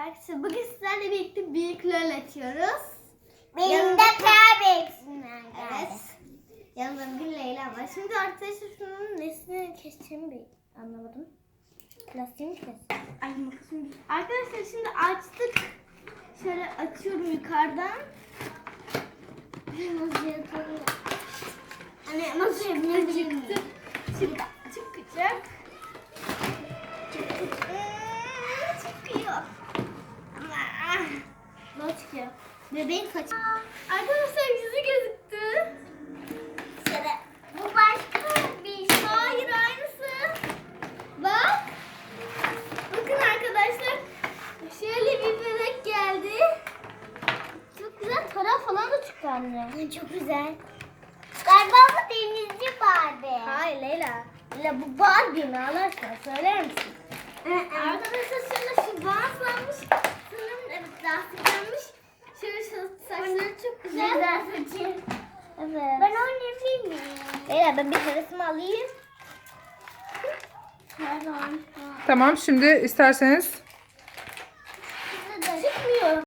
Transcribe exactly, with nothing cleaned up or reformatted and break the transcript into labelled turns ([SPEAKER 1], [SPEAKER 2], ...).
[SPEAKER 1] Arkadaşlar bugün sizlerle birlikte büyük lol açıyoruz.
[SPEAKER 2] Benim
[SPEAKER 1] Yanımda-
[SPEAKER 2] de kahretsinler.
[SPEAKER 1] Evet. Yanımda bir Leyla var. Şimdi arkadaşlar şunun nesini keseceğimi bir anlamadım. Plastiğini kes. Ay makasım. Arkadaşlar şimdi açtık. Şöyle açıyorum yukarıdan. Nasıl yapalım? Hani nasıl yapayım? Çıktı. Çıktı. Çıkacak. Çıkıyor. Ne çıkıyor? Bebeğin kaçı. Arkadaşlar yüzü gözüktü.
[SPEAKER 2] Şöyle. Bu başka bir şey.
[SPEAKER 1] Hayır aynısı. Bak. Bakın arkadaşlar. Şöyle bir bebek geldi. Çok güzel para falan da çıktı anne.
[SPEAKER 2] Çok güzel. Galiba bu denizci Barbie.
[SPEAKER 1] Hayır Leyla. Leyla bu Barbie mi Allah aşkına söyler misin? Arkadaşlar şöyle şu bantlanmış. Sanırım evet lastiklenmiş. Şöyle şu saçları çok güzel.
[SPEAKER 2] Güzel saçı.
[SPEAKER 1] Evet.
[SPEAKER 2] Ben oynayabilir miyim?
[SPEAKER 1] Leyla ben bir hevesimi alayım.
[SPEAKER 3] Tamam, şimdi isterseniz